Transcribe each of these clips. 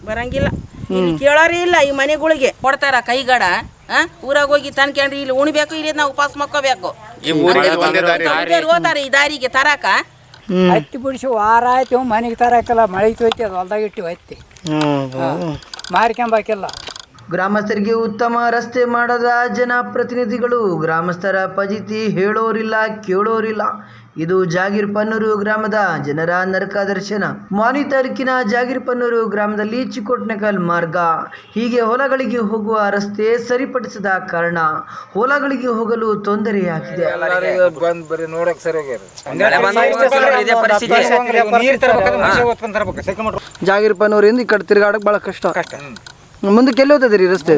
ಬರಂಗಿಲ್ಲ. ಇಲ್ಲಿ ಕೇಳೋರೇ ಇಲ್ಲ. ಈ ಮನೆಗಳಿಗೆ ಕೊಡ್ತಾರ ಕೈಗಡ. ಊರಾಗ ಹೋಗಿ ತನ್ಕೊಂಡ್ರಿ ಇಲ್ಲಿ ಉಣ್ಬೇಕು, ಇಲ್ಲಿ ನಾವು ಉಪವಾಸ ಮಕ್ಕೋಬೇಕು. ಹೋತಾರ ಈ ದಾರಿಗೆ ತರಾಕ. ಹತ್ತಿ ಬಿಡಿಸಿ ವಾರ ಆಯ್ತು ಮನೆಗೆ ತರಾಕಲ್ಲ. ಮಳೆ ಹೋಯ್ತಿ ಅದು ಹೊಲ್ದಾಗ ಇಟ್ಟು ಹತ್ತಿ ಮಾರ್ಕೊಂಬಾಕಿಲ್ಲ. ಗ್ರಾಮಸ್ಥರಿಗೆ ಉತ್ತಮ ರಸ್ತೆ ಮಾಡದ ಜನಪ್ರತಿನಿಧಿಗಳು, ಗ್ರಾಮಸ್ಥರ ಫಜೀತಿ ಹೇಳೋರಿಲ್ಲ ಕೇಳೋರಿಲ್ಲ. ಇದು ಜಾಗೀರ್ಪನ್ನೂರು ಗ್ರಾಮದ ಜನರ ನರಕ ದರ್ಶನ. ಮಾನಿ ತಾಲೂಕಿನ ಜಾಗೀರ್ಪನ್ನೂರು ಗ್ರಾಮದಲ್ಲಿ ಚಿಕ್ಕೋಟ್ನಕಲ್ ಮಾರ್ಗ, ಹೀಗೆ ಹೊಲಗಳಿಗೆ ಹೋಗುವ ರಸ್ತೆ ಸರಿಪಡಿಸದ ಕಾರಣ ಹೊಲಗಳಿಗೆ ಹೋಗಲು ತೊಂದರೆಯಾಗಿದೆ. ಜಾಗೀರ್ಪನ್ನೂರಿಂದ ಈ ಕಡೆ ತಿರುಗಾಡಕ್ ಬಹಳ ಕಷ್ಟ. ಮುಂದಕ್ಕೆ ಎಲ್ಲಿ ಹೋಗ್ತದ್ರಿ ರಸ್ತೆ?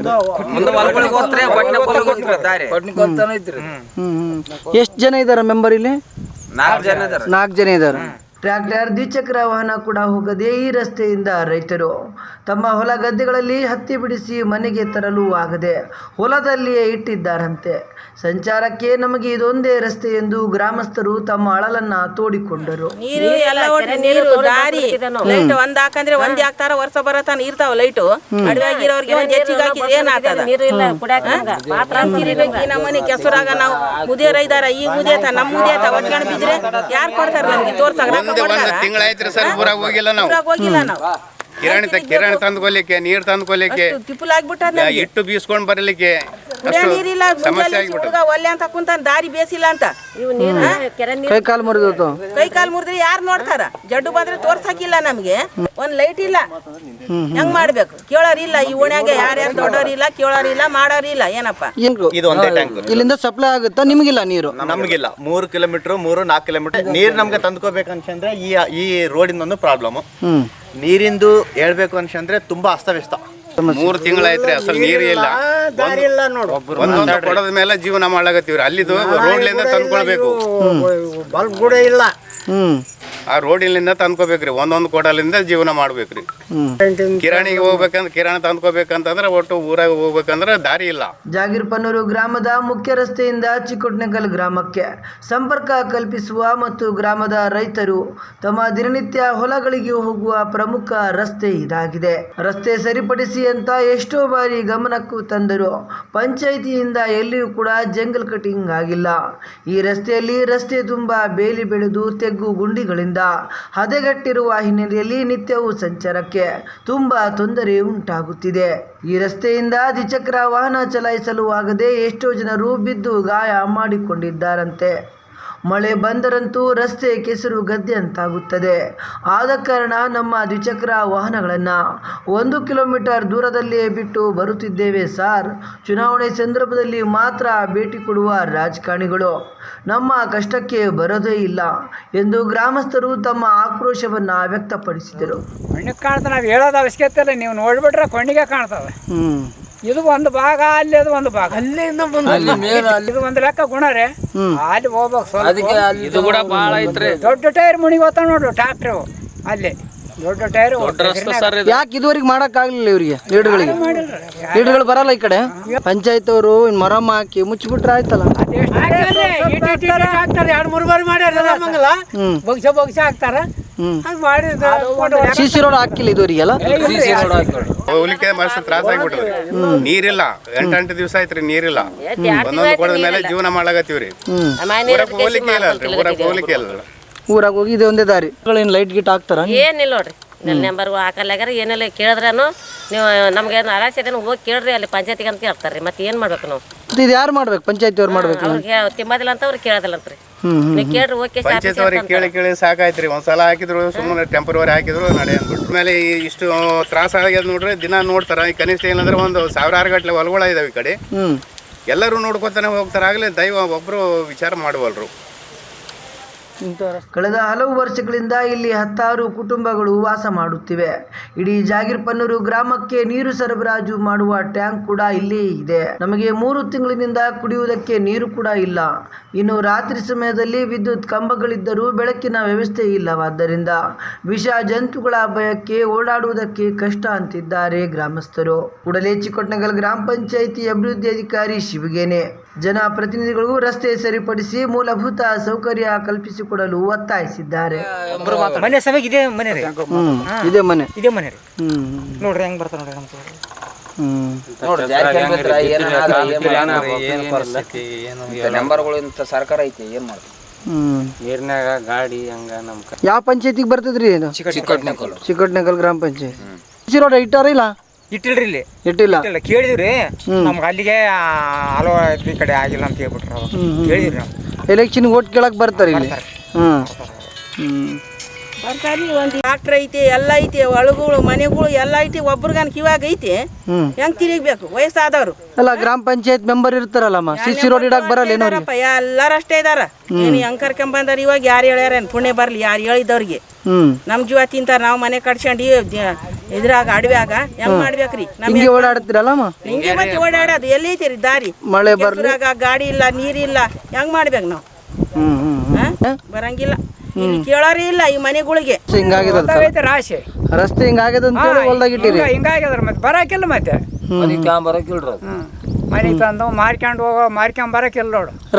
ಎಷ್ಟು ಜನ ಇದಾರ ಮೆಂಬರ್ ಇಲ್ಲಿ? 4 ಜನ ಇದಾರೆ. ಟ್ರ್ಯಾಕ್ಟರ್, ದ್ವಿಚಕ್ರ ವಾಹನ ಕೂಡ ಹೋಗದೆ ಈ ರಸ್ತೆಯಿಂದ ರೈತರು ತಮ್ಮ ಹೊಲ ಗದ್ದೆಗಳಲ್ಲಿ ಹತ್ತಿ ಬಿಡಿಸಿ ಮನೆಗೆ ತರಲು ಆಗದೆ ಹೊಲದಲ್ಲಿಯೇ ಇಟ್ಟಿದ್ದಾರಂತೆ. ಸಂಚಾರಕ್ಕೆ ನಮಗೆ ಇದೊಂದೇ ರಸ್ತೆ ಎಂದು ಗ್ರಾಮಸ್ಥರು ತಮ್ಮ ಅಳಲನ್ನ ತೋಡಿಕೊಂಡರು. ನೀರು ಎಲ್ಲ ದಾರಿ ಲೈಟ್ ಒಂದ್ ಹಾಕಂದ್ರೆ ಒಂದ್ ಹಾಕ್ತಾರ, ವರ್ಷ ಬರತಾನ ಇರ್ತಾವ ಲೈಟು. ಅಡವಾಗಿರೋರ್ಗೆ ಒಂದ್ ಹೆಚ್ಚಿಗೆ ಹಾಕಿದ್ರೆ ಏನಾಗ್ತದ? ನಮ್ಮನೆ ಕೆಸರಾಗ ನಾವು ಮುದಿಯರ ಇದಾರ, ಈ ಮುದಿಯತ ನಮ್ಮ ಮುದಿಯತ ಒಟ್ಕೊಂಡು ಬಿದ್ರೆ ಯಾರು ಕೊಡ್ತಾರ ನಮ್ಗೆ? ತೋರ್ಸಾಗ ತಿಂಗಳಾಯ್ತ್ರಿ ಸರ್, ಊರಾಗ ಹೋಗಿಲ್ಲ ನಾವು. ಕಿರಾಣಿ ತಂದ್ಕೊಲಿಕ್ಕೆ, ನೀರ್ ತಂದ್ಕೊಲಿಕ್ಕೆ, ಇಟ್ಟು ಬೀಸ್ಕೊಂಡ್ ಬರ್ಲಿಕ್ಕೆ ನೀರಿಲ್ಲ. ಒಲ್ಲೆ ಅಂತ ಕುಂತಾನ, ದಾರಿ ಬೇಸಿಲ್ಲ ಅಂತ. ಕೈ ಕಾಲು ಮುರಿದ್ರೆ ಯಾರು ನೋಡ್ತಾರ? ಜಡ್ಡು ಬಂದ್ರೆ ತೋರ್ಸಕಿಲ್ಲ ನಮ್ಗೆ. ಒಂದ್ ಲೈಟ್ ಇಲ್ಲ. ಹೆಂಗ್ ಮಾಡ್ಬೇಕು? ಕೇಳೋರಿಲ್ಲ. ಈ ಓಣ್ಯಾಗ ಯಾರ್ಯಾರು ದೊಡ್ಡೋರಿಲ್ಲ, ಕೇಳೋರಿಲ್ಲ, ಮಾಡೋರಿಲ್ಲ. ಏನಪ್ಪ ಇದು ಒಂದೇ ಟ್ಯಾಂಕ್ ಇಲ್ಲಿಂದ ಸಪ್ಲೈ ಆಗುತ್ತಾ? ನಿಮಗಿಲ್ಲ ನೀರು? ನಮಗಿಲ್ಲ. 3 ಕಿಲೋಮೀಟರ್ 3-4 ಕಿಲೋಮೀಟರ್ ನೀರ್ ನಮ್ಗೆ ತಂದ್ಕೋಬೇಕಂತಂದ್ರೆ ಈ ರೋಡಿನ ಒಂದು ಪ್ರಾಬ್ಲಮ್. ನೀರಿಂದು ಹೇಳ್ಬೇಕು ಅನ್ಸಂದ್ರೆ ತುಂಬಾ ಅಸ್ತವ್ಯಸ್ತ. 3 ತಿಂಗಳಾಯ್ತ್ರಿ, ಅಸಲ್ ನೀರು ಇಲ್ಲ. ಒಂದೊಂದು ಕೊಡದ ಮೇಲೆ ಜೀವನ ಮಾಡ್ಲಾಗತ್ತೀವ್ರಿ. ಅಲ್ಲಿದು ರೋಡ್ಲಿಂದ ತಂದ್ಕೊಳ್ಬೇಕು. ಬಲ್ಬ್ ಕೂಡ ಇಲ್ಲ. ಆ ರೋಡಿನಿಂದ ತಂದ್ಕೋಬೇಕ್ರಿ. ಒಂದೊಂದು ಕೊಡಲಿಂದ ಜೀವನ ಮಾಡ್ಬೇಕ್ರಿ. ಕಿರಾಣಿಗೆ ಹೋಗ್ಬೇಕಂದ್ರೆ, ಕಿರಾಣಿ ತಂದ್ಕೋಬೇಕಂತಂದ್ರೆ ಒಟ್ಟು ಊರಾಗ ಹೋಗ್ಬೇಕಂದ್ರೆ ದಾರಿ ಇಲ್ಲ. ಜಾಗೀರ್ಪನ್ನೂರು ಗ್ರಾಮದ ಮುಖ್ಯ ರಸ್ತೆಯಿಂದ ಚಿಕ್ಕೋಟ್ನಕಲ್ ಗ್ರಾಮಕ್ಕೆ ಸಂಪರ್ಕ ಕಲ್ಪಿಸುವ ಮತ್ತು ಗ್ರಾಮದ ರೈತರು ತಮ್ಮ ದಿನನಿತ್ಯ ಹೊಲಗಳಿಗೆ ಹೋಗುವ ಪ್ರಮುಖ ರಸ್ತೆ ಇದಾಗಿದೆ. ರಸ್ತೆ ಸರಿಪಡಿಸಿ ಅಂತ ಎಷ್ಟೋ ಬಾರಿ ಗಮನಕ್ಕೂ ತಂದರು. ಪಂಚಾಯಿತಿಯಿಂದ ಎಲ್ಲಿಯೂ ಕೂಡ ಜಂಗಲ್ ಕಟಿಂಗ್ ಆಗಿಲ್ಲ. ಈ ರಸ್ತೆಯಲ್ಲಿ ರಸ್ತೆ ತುಂಬಾ ಬೇಲಿ ಬೆಳೆದು ತೆಗ್ಗು ಗುಂಡಿಗಳಿಂದ ಹದಗೆಟ್ಟಿರುವ ಹಿನ್ನೆಲೆಯಲ್ಲಿ ನಿತ್ಯವೂ ಸಂಚಾರಕ್ಕೆ ತುಂಬಾ ತೊಂದರೆ ಉಂಟಾಗುತ್ತಿದೆ. ಈ ರಸ್ತೆಯಿಂದ ದ್ವಿಚಕ್ರ ವಾಹನ ಚಲಾಯಿಸಲು ಆಗದೆ ಎಷ್ಟೋ ಜನರು ಬಿದ್ದು ಗಾಯ ಮಾಡಿಕೊಂಡಿದ್ದಾರಂತೆ. ಮಳೆ ಬಂದರಂತೂ ರಸ್ತೆ ಕೆಸರು ಗದ್ದೆ ಅಂತಾಗುತ್ತದೆ. ಆದ ಕಾರಣ ನಮ್ಮ ದ್ವಿಚಕ್ರ ವಾಹನಗಳನ್ನು 1 ಕಿಲೋಮೀಟರ್ ದೂರದಲ್ಲಿಯೇ ಬಿಟ್ಟು ಬರುತ್ತಿದ್ದೇವೆ ಸಾರ್. ಚುನಾವಣೆ ಸಂದರ್ಭದಲ್ಲಿ ಮಾತ್ರ ಭೇಟಿ ಕೊಡುವ ರಾಜಕಾರಣಿಗಳು ನಮ್ಮ ಕಷ್ಟಕ್ಕೆ ಬರೋದೇ ಇಲ್ಲ ಎಂದು ಗ್ರಾಮಸ್ಥರು ತಮ್ಮ ಆಕ್ರೋಶವನ್ನು ವ್ಯಕ್ತಪಡಿಸಿದರು. ಕಣ್ಣಿಗೆ ಕಾಣ್ತದೆ, ನಾವು ಹೇಳೋದು ಅವಶ್ಯಕತೆ ಇಲ್ಲ. ನೀವು ನೋಡ್ಬಿಟ್ರೆ ಕಣ್ಣಿಗೆ ಕಾಣ್ತದೆ. ಇದು ಒಂದು ಭಾಗ, ಅಲ್ಲಿ ಅದು ಒಂದು ಭಾಗ, ಅಲ್ಲಿಂದ ಇದು ಒಂದು ಲೆಕ್ಕ ಗುಣ ರೀ. ಅಲ್ಲಿ ಹೋಗ್ಬೇಕು. ದೊಡ್ಡ ಟೈರ್ ಮುಣಿಗೆ ಹೋಗ್ತಾವ ನೋಡ್ರಿ ಟ್ರಾಕ್ಟರ್. ಅಲ್ಲಿ ದೊಡ್ಡ ಟೈರ್. ಯಾಕೆ ಇದುವರೆಗೆ ಮಾಡಕ್ ಆಗ್ಲಿಲ್ಲ ಇವರಿಗೆ? ಲೀಡ್ಗಳು ಬರಲ್ಲ ಈ ಕಡೆ. ಪಂಚಾಯತ್ ಅವರು ಮರಮ್ಮ ಹಾಕಿ ಮುಚ್ಚಿಬಿಟ್ರೆ ಆಯ್ತಲ್ಲ. 2-3 ಬಾರಿ ಮಾಡ್ಯಾರ. ಬಗ್ಸ ಹಾಕ್ತಾರ. ಸಿಸಿ ರೋಡ್ ಹಾಕಿಲ್ಲ ಇದುವರೆಗೆಲ್ಲ. ಹೋಗ್ಲಿಕ್ಕೆ ಮಸ್ತ್ ತ್ರಾಸ ಆಗ್ಬಿಟ್ರಿ. ನೀರಿಲ್ಲ. 8 ದಿವಸ ಆಯ್ತ್ರಿ ನೀರಿಲ್ಲ. ಒಂದೊಂದು ಕೊಡದ ಮೇಲೆ ಜೀವನ ಮಾಡ್ಲಾಗತ್ತೀವ್ರಿ. ಹೋಗ್ಲಿಕ್ಕೆ ಇಲ್ಲ ಅಲ್ರಿ, ಊರಾಗ ಹೋಗ್ಲಿಕ್ಕೆ ಇಲ್ಲ. ಊರಾಗ ಹೋಗಿ ಇದೆ ಒಂದೇ ದಾರಿ. ಲೈಟ್ ಗಿಟ್ ಹಾಕ್ತಾರ? ಏನಿಲ್ಲ ನೋಡ್ರಿ. ನಂಬರ್ ಹಾಕಲ್ಲಾಗ್ಯಾರ. ಏನಿಲ್ಲ ಕೇಳಿದ್ರೂ ನೀವು ನಮ್ಗೆ ಆಲಸ್ಯ ಇದೆ ಹೋಗಿ ಕೇಳ್ರಿ, ಅಲ್ಲಿ ಪಂಚಾಯತಿಗೆ ಅಂತ ಹೇಳ್ತಾರ್ರಿ. ಮತ್ತೆ ಏನ್ ಮಾಡ್ಬೇಕು ನಾವು? ಇದು ಯಾರು ಮಾಡ್ಬೇಕು? ಪಂಚಾಯತಿ ಅವ್ರು ಮಾಡ್ಬೇಕು. ಅವ್ರಿಗೆ ತಿಂಬದಿಲ್ಲ ಅಂತ ಅವ್ರಿಗೆ ಕೇಳೋದಿಲ್ಲ ಅಂತ್ರಿ. ನೀವು ಕೇಳ್ರಿ. ಓಕೆ, ಪಂಚಾಯತ್ ಅವ್ರಿಗೆ ಕೇಳಿ ಸಾಕಾಯ್ತ್ರಿ. ಒಂದ್ಸಲ ಹಾಕಿದ್ರು, ಸುಮ್ಮನೆ ಟೆಂಪರವರಿ ಹಾಕಿದ್ರು, ನಡೆ ಅಂದ್ಬಿಟ್ಟು. ಆಮೇಲೆ ಇಷ್ಟು ತ್ರಾಸ ಆಗ್ಯದ ನೋಡ್ರಿ. ದಿನ ನೋಡ್ತಾರ. ಈ ಕನಿಷ್ಠ ಏನಂದ್ರೆ 1,000 ಗಟ್ಟಲೆ ಹೊಲಗಳ ಇದಾವೆ ಈ ಕಡೆ. ಎಲ್ಲರೂ ನೋಡ್ಕೊತಾನೆ ಹೋಗ್ತಾರ. ಆಗ್ಲೇ ದೈವ ಒಬ್ರು ವಿಚಾರ ಮಾಡುವಲ್ರು. ಕಳೆದ ಹಲವು ವರ್ಷಗಳಿಂದ ಇಲ್ಲಿ 10 ಕುಟುಂಬಗಳು ವಾಸ ಮಾಡುತ್ತಿವೆ. ಇಡೀ ಜಾಗೀರ್ಪನ್ನೂರು ಗ್ರಾಮಕ್ಕೆ ನೀರು ಸರಬರಾಜು ಮಾಡುವ ಟ್ಯಾಂಕ್ ಕೂಡ ಇಲ್ಲೇ ಇದೆ. ನಮಗೆ 3 ತಿಂಗಳಿನಿಂದ ಕುಡಿಯುವುದಕ್ಕೆ ನೀರು ಕೂಡ ಇಲ್ಲ. ಇನ್ನು ರಾತ್ರಿ ಸಮಯದಲ್ಲಿ ವಿದ್ಯುತ್ ಕಂಬಗಳಿದ್ದರೂ ಬೆಳಕಿನ ವ್ಯವಸ್ಥೆ ಇಲ್ಲವಾದ್ದರಿಂದ ವಿಷ ಜಂತುಗಳ ಭಯಕ್ಕೆ ಓಡಾಡುವುದಕ್ಕೆ ಕಷ್ಟ ಅಂತಿದ್ದಾರೆ ಗ್ರಾಮಸ್ಥರು. ಕೂಡಲೇ ಚಿಕ್ಕೋಟ್ನಕಲ್ ಗ್ರಾಮ ಪಂಚಾಯಿತಿ ಅಭಿವೃದ್ಧಿ ಅಧಿಕಾರಿ ಶಿವಗೇನೆ ಜನಪ್ರತಿನಿಧಿಗಳಿಗೂ ರಸ್ತೆ ಸರಿಪಡಿಸಿ ಮೂಲಭೂತ ಸೌಕರ್ಯ ಕಲ್ಪಿಸಿಕೊಡಲು ಒತ್ತಾಯಿಸಿದ್ದಾರೆ. ಮನೆ ಸಭೆಗೆ ಇದೇ ಮನೆ ರೀ, ಇದೇ ಮನೆ ಇದೇ ಮನೆ ರೀ. ನೋಡ್ರಿ ಹೆಂಗ್ ಬರ್ತಾರ ನೋಡ್ರಿ ನಮ್ಮ ನಂಬರ್ಗಳು ಇಂಥ ಸರ್ಕಾರ ಐತಿ ಏನ್ ಮಾಡ್ತೀವಿ. ನೀರ್ನಾಗ ಗಾಡಿ ಹಂಗ ನಮ್ ಯಾವ ಪಂಚಾಯತಿಗೆ ಬರ್ತದ್ರಿ ಇದು? ಚಿಕ್ಕಟ್ನಕಲ್ ಗ್ರಾಮ ಪಂಚಾಯತ್. ರೋಡ್ ಇಟ್ಟಾರ ಇಲ್ಲ? ಇಟ್ಟಿಲ್ರಿ ಇಲ್ಲಿ, ಇಟ್ಟಿಲ್ಲ. ಕೇಳಿದಿವ್ರಿ ನಮ್ಗೆ ಅಲ್ಲಿಗೆ ಹಲವು ಈ ಕಡೆ ಆಗಿಲ್ಲ ಅಂತ ಹೇಳ್ಬಿಟ್ರಿ ಅವಾಗ ಕೇಳಿದ್ರಿ ನಾವು. ಎಲೆಕ್ಷನ್ ಓಟ್ ಕೇಳಕ್ ಬರ್ತಾರೆ ಇಲ್ಲಿ. ಬರ್ತಾರಿ. ಒಂದು ಡಾಕ್ಟ್ರ್ ಐತಿ, ಎಲ್ಲ ಐತಿ, ಒಳಗಳು ಮನೆಗಳು ಎಲ್ಲ ಐತಿ. ಒಬ್ರಿಗನ್ ಕಿವಾಗ ಐತಿ, ಹೆಂಗ್ ತಿರುಗಬೇಕು ವಯಸ್ಸಾದವ್ರು? ಅಲ್ಲ ಗ್ರಾಮ ಪಂಚಾಯತ್ ಮೆಂಬರ್ ಇರ್ತಾರಲ್ಲಮ್ಮ, ಸಿಸಿ ರೋಡ್ ಇಡಕ್ ಬರಲ್ಲ ಏನೋ? ಎಲ್ಲಾರು ಅಷ್ಟೇ ಇದಾರ. ಏನು ಹೆಂಗ್ ಕರ್ಕೊಂಬಂದಾರ? ಇವಾಗ ಯಾರು ಹೇಳ್ಯಾರೇನು? ಪುಣ್ಯ ಬರ್ಲಿ ಯಾರು ಹೇಳಿದವ್ರಿಗೆ. ನಮ್ ಜೀವ ತಿಂತಾರ, ನಾವು ಮನೆ ಕಟ್ಸ್ಕೊಂಡು ಇದ್ರಾಗ ಅಡವ್ಯಾಗ ಹೆಂಗ್ ಮಾಡ್ಬೇಕ್ರಿ? ಹಿಂಗೆ ಓಡಾಡ್ತಿರಲ್ಲಮ್ಮ? ಹಿಂಗೆ ಮತ್ತೆ ಓಡಾಡೋದು ಎಲ್ಲಿ ಐತಿರಿ ದಾರಿ? ಮಳೆ ಬರ್ಲಾಗ ಗಾಡಿ ಇಲ್ಲ, ನೀರಿಲ್ಲ, ಹೆಂಗ್ ಮಾಡ್ಬೇಕು ನಾವು? ಬರಂಗಿಲ್ಲ, ಇಲ್ಲಿ ಕೇಳೋರೇ ಇಲ್ಲ ಈ ಮನೆಗಳಿಗೆ. ಹಿಂಗಾಗಿದೆ ರಾಶಿ ರಸ್ತೆ ಹಿಂಗಾಗ್ಯದ ಅಂತ ಹೇಳಿ ಹೊಲ್ದಾಗ ಇಟ್ಟಿರಿ. ಹಿಂಗಾಗ್ಯದ್ರ ಮತ್ತೆ ಬರಾಕಿಲ್ಲ ಮತ್ತೆ ಬರಕಿಲ್ರಿ ಮನೆ ತಂದು ಮಾರ್ಕೊಂಡು ಹೋಗೋ ಮಾರ್ಕೊಂಡ್ ಬರಕಿಲ್ಲ ನೋಡು.